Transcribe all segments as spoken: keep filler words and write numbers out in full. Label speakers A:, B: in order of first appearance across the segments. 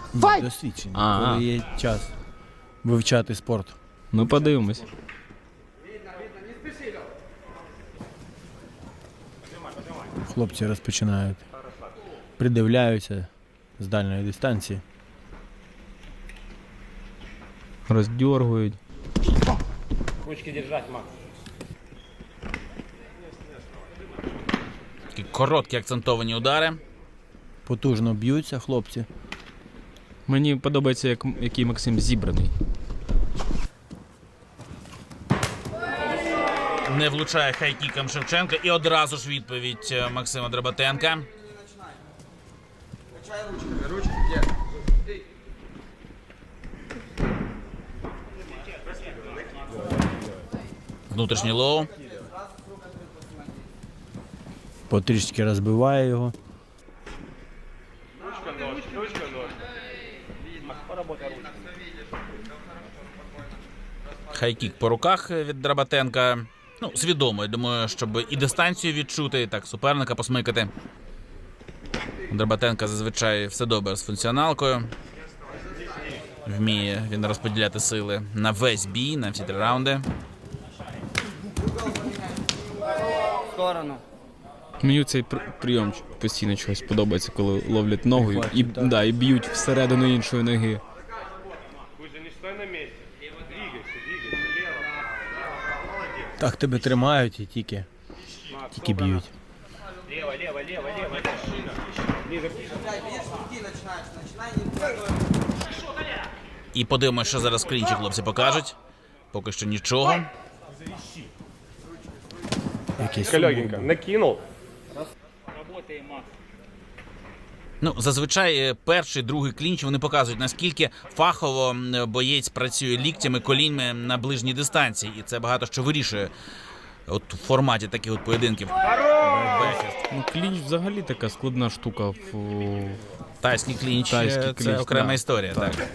A: Досвідчені, коли є час вивчати спорт.
B: Ну, подивимось.
A: Хлопці розпочинають, придивляються з дальньої дистанції.
B: Роздьоргують.
C: Ручки держать, Макс.
D: Такі короткі акцентовані удари.
A: Потужно б'ються хлопці.
B: Мені подобається, як, який Максим зібраний.
D: Не влучає хайкіком Шевченка. І одразу ж відповідь Максима Драбатенка. Внутрішній лоу.
A: Потрішки розбиває його.
D: Хайкік по руках від Драбатенка. Ну, свідомо, я думаю, щоб і дистанцію відчути, і так суперника посмикати. У Драбатенка зазвичай все добре з функціоналкою. Вміє він розподіляти сили на весь бій, на всі три раунди.
C: В сторону.
B: Мені цей пр- прийом постійно чогось подобається, коли ловлять ногою і, да, і б'ють всередину іншої ноги.
A: Так тебе тримають і тільки, тільки б'ють.
C: Лево, лево, лево, лево.
D: І подивимося, що зараз в клінчі хлопці покажуть. Поки що нічого.
A: Якийсь
E: Легенько, накинул.
C: Работаем, Макс.
D: Ну, зазвичай е, перший, другий клінч вони показують, наскільки фахово м, боєць працює ліктями, коліньми на ближній дистанції. І це багато що вирішує от в форматі таких от поєдинків. Бекфіст.
B: Ну, клінч взагалі така складна штука. В...
D: Тайський клінч,
B: Тайський
D: е, це
B: клінч,
D: окрема
B: да.
D: історія. Так.
B: Так.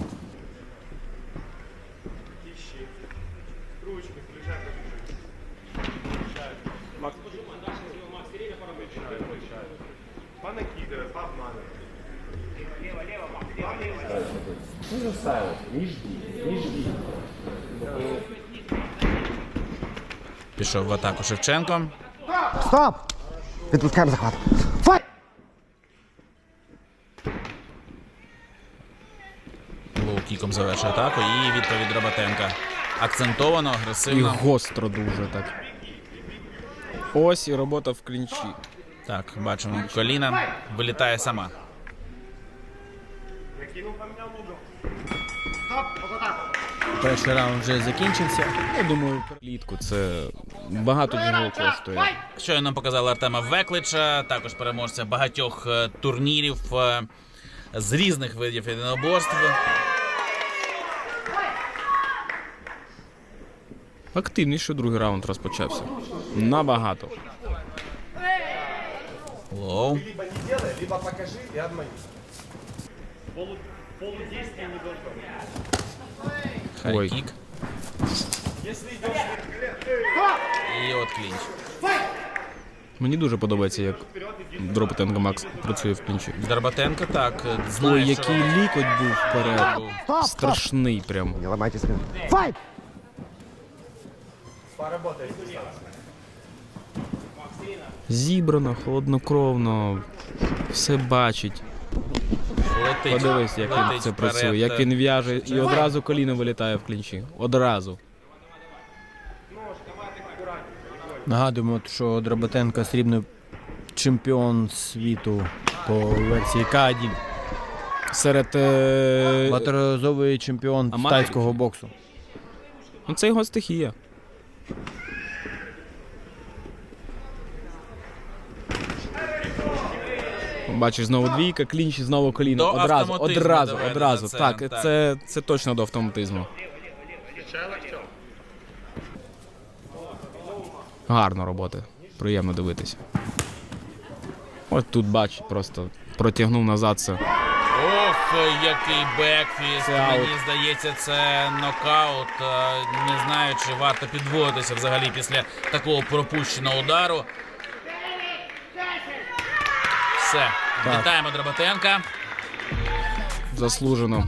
E: Понакидывай, пообманывай.
D: Пішов в атаку Шевченко.
F: Стоп! Відпускаємо захват. Файт!
D: Лоу-кіком завершує атаку. І відповідь Драбатенка. Акцентовано,
B: І
D: агресивно.
B: гостро дуже так. Ось і робота в клінчі.
D: Так, бачимо, коліна вилітає сама.
A: Перший раунд вже закінчився.
B: Я думаю, клітку це багато чого коштує.
D: Щойно нам показали Артема Веклича, також переможця багатьох е, турнірів е, з різних видів єдиноборств.
B: Активніше другий раунд розпочався. Набагато.
D: Лоу.
E: Либо не делай, либо покажи и обмани.
B: Ой.
D: Хайкік. І от клінч.
B: Мені дуже подобається, як Драбатенко Макс працює в клінчі.
D: Драбатенко так, знає,
B: Ой,
D: що...
B: який лікоть був вперед. Страшний прям.
F: Не ламайте спину. Файт!
B: Зібрано, холоднокровно, все бачить.
D: Летить.
B: Подивись, як він
D: Летить
B: це
D: вперед.
B: працює, як він в'яже і одразу коліно вилітає в клінчі. Одразу.
A: Нагадуємо, що Драбатенко срібний чемпіон світу по версії К один.
B: Серед... Е...
A: Багаторазовий чемпіон
B: Аматорів?
A: тайського боксу.
B: Ну, це його стихія. Бачиш, знову двійка, клінч і знову коліно.
D: До
B: Одразу,
D: автоматизму
B: одразу,
D: доведено
B: одразу.
D: це,
B: Так,
D: так.
B: Це, це точно до автоматизму. Гарна робота. Приємно дивитися. Ось тут, бач, просто протягнув назад це.
D: Ох, який бекфіст.
B: Це аут.
D: Мені здається, це нокаут. Е, Не знаю, чи варто підводитися взагалі після такого пропущеного удару. Все.
A: Так.
D: Вітаємо Драбатенка.
B: заслужено.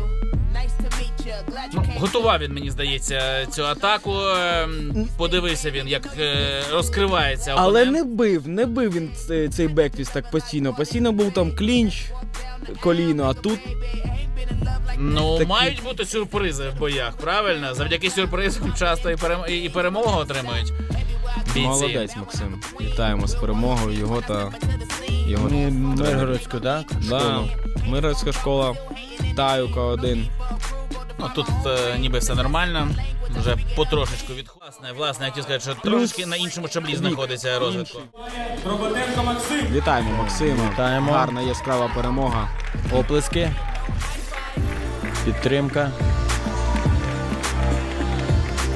D: Ну, готував він, мені здається, цю атаку. Ем, Подивився він, як е, розкривається
B: Але
D: опонент.
B: не бив, не бив він цей, цей бекфіст так постійно. Постійно був там клінч, коліно, а тут
D: Ну,
B: такі-
D: мають бути сюрпризи в боях, правильно? Завдяки сюрпризам часто і, перем... і перемогу отримують бійці.
B: молодець, Максим. Вітаємо з перемогою його та його
A: Ми
B: тренера.
A: Миргородську, так?
B: Да. Миргородська школа, Таюка один.
D: Ну, тут е, ніби все нормально. Вже потрошечку від власне, власне, я хотів сказати, що трошки на іншому щаблі знаходиться розвитку.
B: Вітаємо Максима.
A: Вітаємо.
B: Гарна яскрава перемога.
A: Оплески. Підтримка.